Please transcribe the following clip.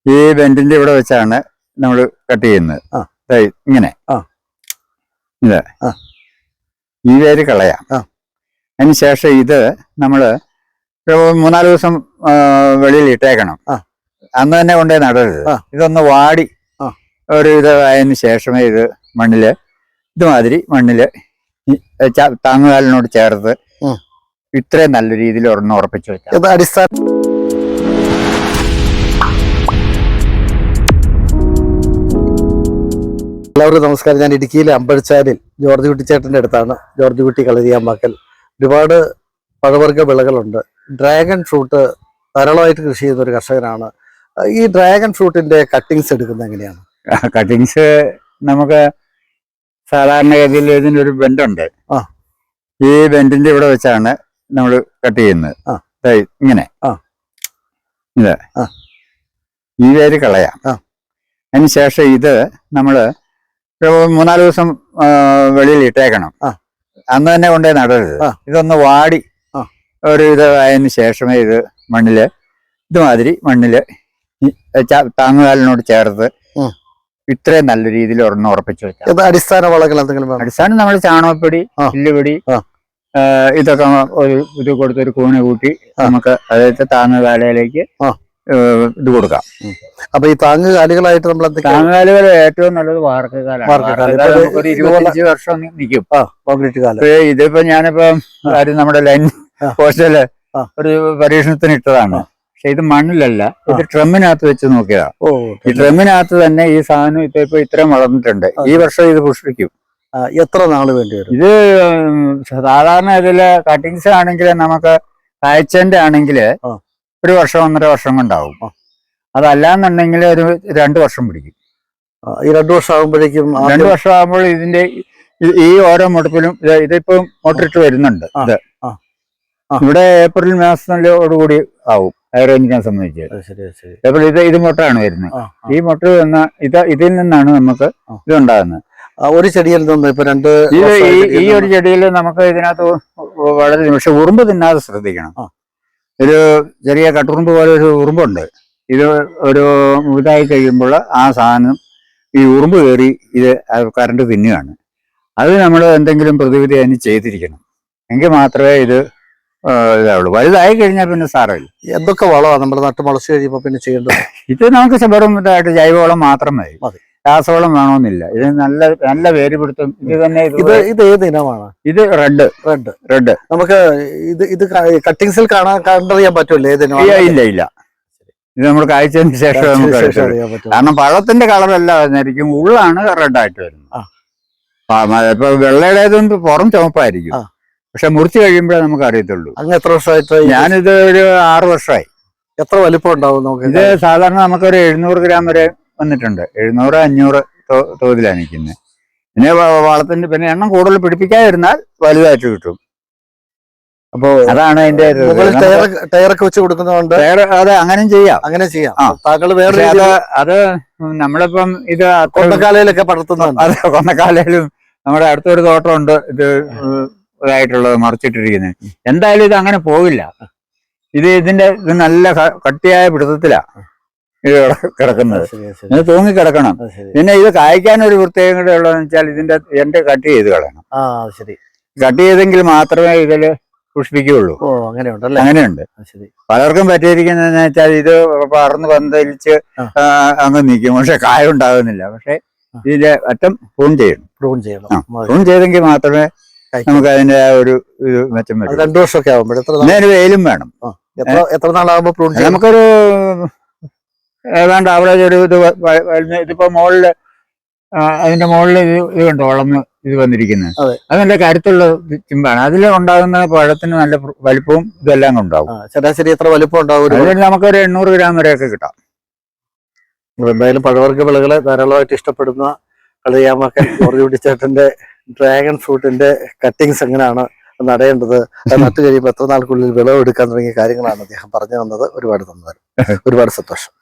ഈ ബെൻഡിന്റെ ഇവിടെ വെച്ചാണ് നമ്മൾ കട്ട് ചെയ്യുന്നത്. ഇങ്ങനെ ഇത് ഈ വേര് കളയാം. അതിനുശേഷം ഇത് നമ്മള് 3-4 ദിവസം വെളിയിൽ ഇട്ടേക്കണം. അന്ന് തന്നെ കൊണ്ടുപോയി നടരുത്. ഇതൊന്ന് വാടി ഒരു ഇത് ആയതിനു ശേഷമേ ഇത് മണ്ണില് ഇതുമാതിരി മണ്ണില് താങ്ങുകാലിനോട് ചേർത്ത് ഇത്രയും നല്ല രീതിയിൽ ഒരെണ്ണം ഉറപ്പിച്ചു വെച്ചാൽ അടിസ്ഥാന. എല്ലാവർക്കും നമസ്കാരം. ഞാൻ ഇടുക്കിയിലെ അമ്പഴച്ചാലിൽ ജോർജ് കുട്ടിച്ചേട്ടൻ്റെ അടുത്താണ്. ജോർജ് കുട്ടി കളരിയാമ്പാക്കൽ. ഒരുപാട് പഴവർഗ്ഗ വിളകളുണ്ട്. ഡ്രാഗൺ ഫ്രൂട്ട് ധാരാളമായിട്ട് കൃഷി ചെയ്യുന്ന ഒരു കർഷകനാണ്. ഈ ഡ്രാഗൺ ഫ്രൂട്ടിന്റെ കട്ടിങ്സ് എടുക്കുന്നത് എങ്ങനെയാണ്? കട്ടിങ്സ് നമുക്ക് സാധാരണഗതിയിൽ ഇതിനൊരു ബെൻഡുണ്ട്. ഈ ബെൻഡിന്റെ ഇവിടെ വെച്ചാണ് നമ്മൾ കട്ട് ചെയ്യുന്നത്. ഇങ്ങനെ ഇത് ഈ വേര് കളയാം. അതിനുശേഷം ഇത് നമ്മള് 3-4 ദിവസം വെളിയിൽ ഇട്ടേക്കണം. അന്ന് തന്നെ കൊണ്ടുപോയി നടരുത്. ഇതൊന്ന് വാടി ഒരു ഇത് ആയതിനു ശേഷമേ ഇത് മണ്ണില് ഇതുമാതിരി മണ്ണില് താങ്ങുകാലിനോട് ചേർത്ത് ഇത്രയും നല്ല രീതിയിൽ ഒരെണ്ണം ഉറപ്പിച്ചു വെച്ചാൽ. അടിസ്ഥാന വളങ്ങൾ എന്തെങ്കിലും? അടിസ്ഥാനം നമ്മൾ ചാണകപ്പൊടി, പുല്ലുപൊടി, ഇതൊക്കെ ഒരു ഇത് കൊടുത്തൊരു കൂണ് കൂട്ടി നമുക്ക് അതായത് താങ്ങുകാലയിലേക്ക് ഇത് കൊടുക്കാം. അപ്പൊ ഈ താങ്ങുകാലികളായിട്ട് നമ്മൾ താങ്ങുകാലുകൾ ഏറ്റവും നല്ലത് വാർക്കകാലാണ്. ഒരു 25 വർഷം നിൽക്കും. കോൺക്രീറ്റ് കാലം. ഇതിപ്പോ ഞാനിപ്പോ നമ്മുടെ ലൈൻ പോസ്റ്റല് ഒരു പരീക്ഷണത്തിന് ഇട്ടതാണ്. പക്ഷെ ഇത് മണ്ണിലല്ല, ഇത് ട്രമ്മിനകത്ത് വെച്ച് നോക്കിയതാ. ഈ ട്രമ്മിനകത്ത് തന്നെ ഈ സാധനം ഇപ്പൊ ഇത്രയും വളർന്നിട്ടുണ്ട്. ഈ വർഷം ഇത് പുഷ്പിക്കും. എത്ര നാള് വേണ്ടി വരും? ഇത് സാധാരണ ഇതില് കട്ടിങ്സ് ആണെങ്കിൽ നമുക്ക് കായ്ച്ചന്റെ ആണെങ്കിൽ 1 വർഷം 1.5 വർഷം കൊണ്ടാവും. അതല്ലാന്നുണ്ടെങ്കിൽ ഒരു 2 വർഷം പിടിക്കും. ഈ 2 വർഷം ആകുമ്പോഴേക്കും 2 വർഷം ആകുമ്പോൾ ഇതിന്റെ ഈ ഓരോ മുടപ്പിലും ഇതിപ്പം മോട്ടറിട്ട് വരുന്നുണ്ട്. ഇത് ഇവിടെ ഏപ്രിൽ മാസത്തോടുകൂടി ആവും ഹൈറേഞ്ചിനെ സംബന്ധിച്ച്. ഏപ്രിൽ ഇത് മുട്ടയാണ് വരുന്നത്. ഈ മുട്ട വന്ന ഇതിൽ നിന്നാണ് നമുക്ക് ഇതുണ്ടാകുന്നത്. ഒരു ചെടിയിൽ നിന്ന് ഇപ്പൊ ഈ ഒരു ചെടിയിൽ നമുക്ക് ഇതിനകത്ത് വളരെ, പക്ഷെ ഉറുമ്പ് തിന്നാതെ ശ്രദ്ധിക്കണം. ഒരു ചെറിയ കട്ടുറുമ്പ് പോലെ ഒരു ഉറുമ്പുണ്ട്. ഇത് ഒരു ഇതായി കഴിയുമ്പോൾ ആ സാധനം ഈ ഉറുമ്പ് കയറി ഇത് കറണ്ട് തിന്നുകയാണ്. അത് നമ്മൾ എന്തെങ്കിലും പ്രതിവിധി അതിന് ചെയ്തിരിക്കണം. എങ്കിൽ മാത്രമേ ഇത് ഇതാവുള്ളൂ. വലുതായി കഴിഞ്ഞാൽ പിന്നെ സാരമില്ല. എന്തൊക്കെ വളമാണ് നമ്മൾ നട്ട് മുളച്ച് കഴിയുമ്പോൾ പിന്നെ ചെയ്യേണ്ടത്? ഇത് നമുക്ക് വെറും ഇതായിട്ട് ജൈവവളം മാത്രം മതി. രാസവളം വേണമെന്നില്ല. ഇത് നല്ല വേര് പിടുത്തം. ഇത് തന്നെ ഇത് ഏത് ഇനമാണ്? ഇത് റെഡ്. നമുക്ക് ഇത് കട്ടിങ്സിൽ കണ്ടറിയാൻ പറ്റുമല്ലോ ഏതിനോ? ഇല്ല. ഇത് നമ്മൾ കായ്ച്ചതിന് ശേഷം നമുക്ക് അറിയാൻ പറ്റും. കാരണം പഴത്തിന്റെ കളറല്ല വന്നിരിക്കും, ഉള്ളാണ് റെഡായിട്ട് വരുന്നത്. ഇപ്പൊ വെള്ളയുടേതും പുറം ചുവപ്പായിരിക്കും. പക്ഷെ മുറിച്ച് കഴിയുമ്പോഴേ നമുക്ക് അറിയത്തുള്ളൂ. അങ്ങ് എത്ര വർഷമായിട്ട്? ഞാനിത് ഒരു 6 വർഷമായി. എത്ര വലിപ്പം ഉണ്ടാവും നമുക്ക്? ഇത് സാധാരണ നമുക്കൊരു 700 ഗ്രാം വരെ വന്നിട്ടുണ്ട്. 700-500 തോതിലാണ് നിൽക്കുന്നത്. പിന്നെ വളത്തിന്റെ പിന്നെ എണ്ണം കൂടുതൽ പിടിപ്പിക്കാതിരുന്നാൽ വലുതായിട്ട് കിട്ടും. അപ്പൊ അതാണ് അതിന്റെ ടയറൊക്കെ വെച്ച് കൊടുക്കുന്നതുകൊണ്ട് അതെ അങ്ങനെയും ചെയ്യാം. താങ്കൾ വേറെ അത് നമ്മളിപ്പം ഇത് കൊന്നക്കാലയിലൊക്കെ പടർത്തുന്നുണ്ട്. അതെ, കൊന്നക്കാലയിലും നമ്മുടെ അടുത്തൊരു തോട്ടമുണ്ട് ഇത് ഇതായിട്ടുള്ളത് മറിച്ചിട്ടിരിക്കുന്നത്. എന്തായാലും ഇത് അങ്ങനെ പോകില്ല. ഇത് നല്ല കട്ടിയായ പിടുത്തത്തിലാ ഇത് കിടക്കുന്നത്. ഇത് തൂങ്ങി കിടക്കണം. പിന്നെ ഇത് കായ്ക്കാൻ ഒരു പ്രത്യേകത ഉള്ളതെന്ന് വെച്ചാൽ ഇതിന്റെ എന്റെ കട്ട് ചെയ്ത് കളയണം. കട്ട് ചെയ്തെങ്കിൽ മാത്രമേ ഇതില് പുഷ്പിക്കുകയുള്ളൂ. അങ്ങനെയുണ്ട്. പലർക്കും പറ്റിയിരിക്കുന്നതെന്ന് വെച്ചാൽ ഇത് പറന്ന് പന്തലിച്ച് അങ്ങ് നിൽക്കും, പക്ഷെ കായ ഉണ്ടാകുന്നില്ല. പക്ഷെ ഇതിന്റെ അറ്റം പ്രൂൺ ചെയ്യണം. പ്രൂൺ ചെയ്തെങ്കിൽ മാത്രമേ നമുക്ക് അതിന്റെ ആ ഒരു ഇത് മെച്ചം വരും. 2 വർഷമൊക്കെ ആകുമ്പോൾ വെയിലും വേണം. എത്ര നാളാകുമ്പോൾ പ്രൂൺ ചെയ്യും? നമുക്കൊരു ഏതാണ്ട് ആവറേജ് ഒരു ഇതിപ്പോ മുകളില് അതിന്റെ മുകളിൽ ഇത് കണ്ടോ വളർന്ന് ഇത് വന്നിരിക്കുന്നത്. അത് നല്ല കരുത്തുള്ള ചിമ്പാണ്. അതിൽ ഉണ്ടാകുന്ന പഴത്തിന് നല്ല വലിപ്പവും ഇതെല്ലാം ഉണ്ടാവും. ശരാശരി എത്ര വലിപ്പം ഉണ്ടാവും? നമുക്കൊരു 800 ഗ്രാം വരെയൊക്കെ കിട്ടാം. എന്തായാലും പഴവർഗ്ഗ വിളകളെ ധാരാളമായിട്ട് ഇഷ്ടപ്പെടുന്ന കളരിയാമ്പാക്കൽ ജോർജ് കുട്ടിച്ചേട്ടന്റെ ഡ്രാഗൺ ഫ്രൂട്ടിന്റെ കട്ടിങ്സ് എങ്ങനെയാണ് നടേണ്ടത്, നട്ട് കഴിയുമ്പോൾ എത്ര നാൾക്കുള്ളിൽ വിളവെടുക്കാൻ തുടങ്ങിയ കാര്യങ്ങളാണ് അദ്ദേഹം പറഞ്ഞു തന്നത്. ഒരുപാട് സന്തോഷം.